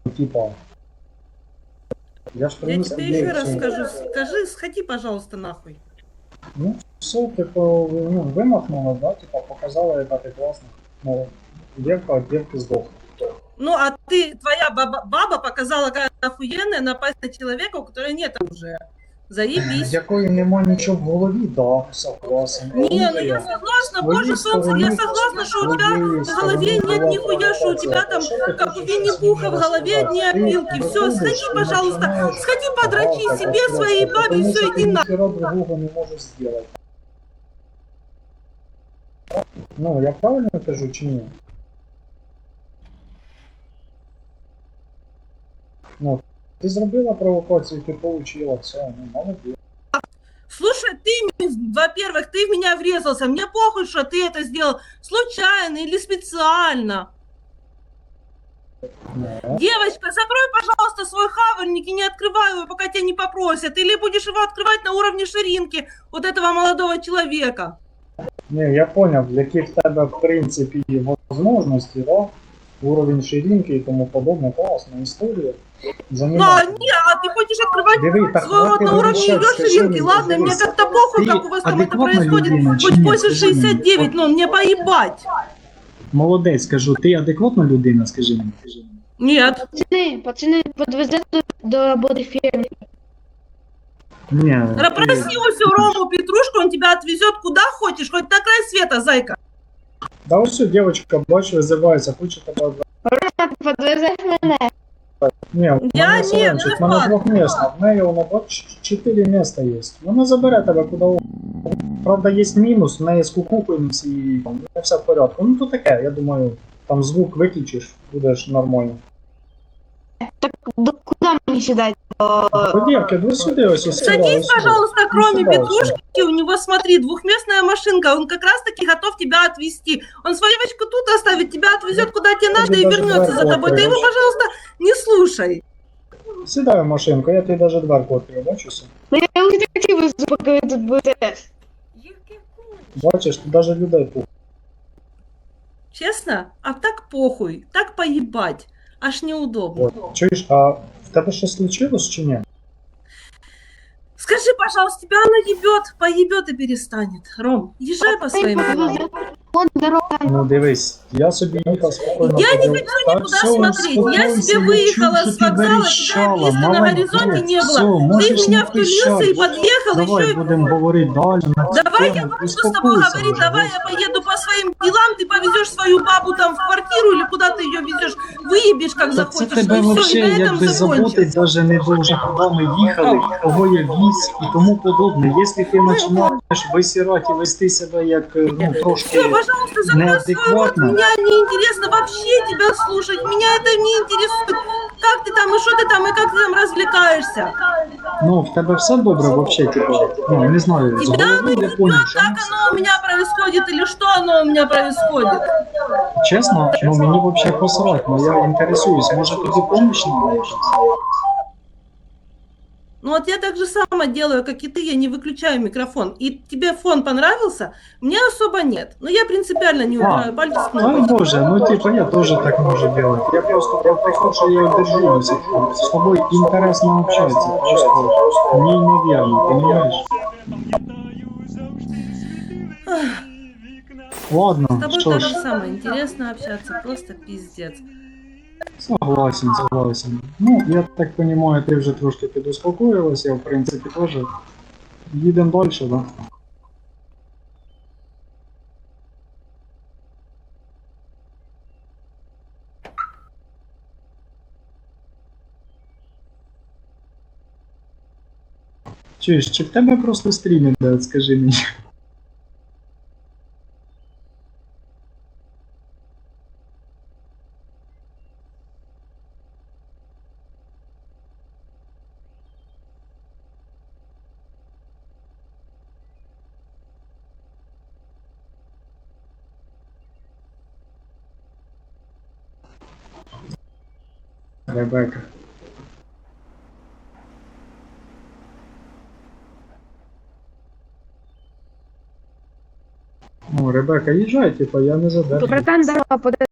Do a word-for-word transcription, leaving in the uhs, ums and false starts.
типа. Я ж Я принес тебе тебе еще раз всё. скажу, скажи, сходи, пожалуйста, нахуй. Ну, все, типу, ну, вимахнула, да, типа, показала, яка ти класна. Ну, девка от девки сдохла. Ну, а ты, твоя баба, баба показала, как охуенная напасть на человека, у которого нет оружия. Заебись. Якої нема нічого в голові, да, согласен. Не, Тому ну що я я согласна, з боже твоєї солнце, я сторони, согласна, з что у тебя твоєї в голове сторони нет була нихуя, что у тебя провокація. там, Що ти как у хочеш щось Винни-Пуха, в мені голове одни розказати? Ти опилки. Все, виходиш сходи, і пожалуйста, починаєш сходи подрачи гавкати себе, просто, своей бабе, и тому все, що ти иди на... ніхера другого не можеш зробити. Ну, я правильно кажу чи ні? Ну, ти зробила провокацію, ти получила, все, ну, молодець. Слушай, ты, во-первых, ты в меня врезался, мне похуй, что ты это сделал случайно или специально. Ну, Девочка, закрой, пожалуйста, свой хавальник и не открывай его, пока тебя не попросят. Или будешь его открывать на уровне ширинки вот этого молодого человека. не, я понял, які в тебе, в принципі, можливості, да? Уровень ширинки і тому подобне, класна історія. Ну, а, не, а ты хочешь открывать Диви, так свой рот хватит на уровне вирішати, ее скажи ширинки? мені, Ладно, мне дивись. как-то похуй, Ты как у вас там это адекватна происходит. людина чи Хоть ні? после Скажи мені. шестьдесят девять, От но мне поебать. Молодець, кажу, ти адекватна людина, скажи мені. Скажи мені. Нет. Пацаны, пацаны, подвезете до, до работы фермы. Ні, Попроси у всю Рому Петрушку, он тебя отвезет куда хочешь, хоть на край света, зайка. Да ось все, дівчинка, бач, визивається, хоче тебе. Рома, подвезеш мене? Ні, в Я мене ні, Соленчик, в не мене факт. двохмісна, в неї воно бач, чотири міста є. Вона забере тебе куди угодно. Правда, є мінус, в неї з кукухойниці і там, не все в порядку. Ну то таке, я думаю, там звук виключиш, будеш нормально. Так до, куда мені сідати? До... По девке, ви сюди ось ось сюди, Садись, ось сюди. пожалуйста, Ну, кроме сюда, Петрушки, у него, смотри, двухместная машинка, он как раз-таки готов тебя отвезти. Он свою девочку тут оставит, тебя отвезет куда тебе надо и даже вернется за дверь тобой. Ты его, откроешь. пожалуйста, не слушай. Сідай в машинку, я тобі навіть дверку відкрию, бачиш? Ну я вже хотів, поки ви тут будете. Бачиш, тут навіть людей пух. Честно? А так похуй, так поебать. Аж неудобно. От. Чуєш, а в тебе щось случилось чи ні? Скажи, пожалуйста, тебя она ебет, поебет и перестанет. Ром, езжай по своим делам. Вон дорога. Ну дивись, я собі їхав спокійно. Я не ходив. хочу Так, никуда все, смотреть. Я успокойся, себе я выехала чуть с вокзала, тебя близко на горизонте не Все, было. Ты можеш в меня не втулился и кричати. подъехал, Давай еще и... будемо говорити далі на цю Давай я тему. буду с тобой Успокойся говорить, вже, давай я поеду по своим делам, ты повезешь свою бабу там в квартиру или куда ты ее везешь, выебешь как Та це захочешь, тебе и все, и вообще на этом якби закончится. заботить даже не дуже, куди ми їхали, кого я віз і тому подобне. Якщо ти починаєш висирати і вести себе як, ну, трошки Все, пожалуйста, закрой свой рот, неадекватно, меня не интересно вообще тебя слушать, меня это не интересует. Как ты там, и что ты там, и как ты там развлекаешься. ну, в тебе все добре вообще, типу, ну, не знаю, з Тебя оно голови не я понял, ебет, що как оно у меня происходит, или что оно у меня происходит. чесно, ну, мені вообще посрать, но я інтересуюсь, може тобі помощь надо? Ну вот я так же само делаю, как и ты, я не выключаю микрофон. И тебе фон понравился? Мне особо нет. Но я принципиально не убираю пальцы с Ай кнопочки. боже, ну типа я тоже так можу делать. Я просто про те, що я держу до сих пор. С тобой интересно общаться, просто неимоверно, понимаешь? Ладно, С тобой что так ж, же самое интересно общаться, просто пиздец. согласен, согласен. Ну, я так понимаю, ти вже трошки підуспокоїлась, я в принципі теж. Їдемо далі, да? Чуєш, чи в тебе просто стрім іде, скажи мені? Ребека. Ну, Ребека, їжджай, типа, я не задержу. Братан, дорога, подвезеш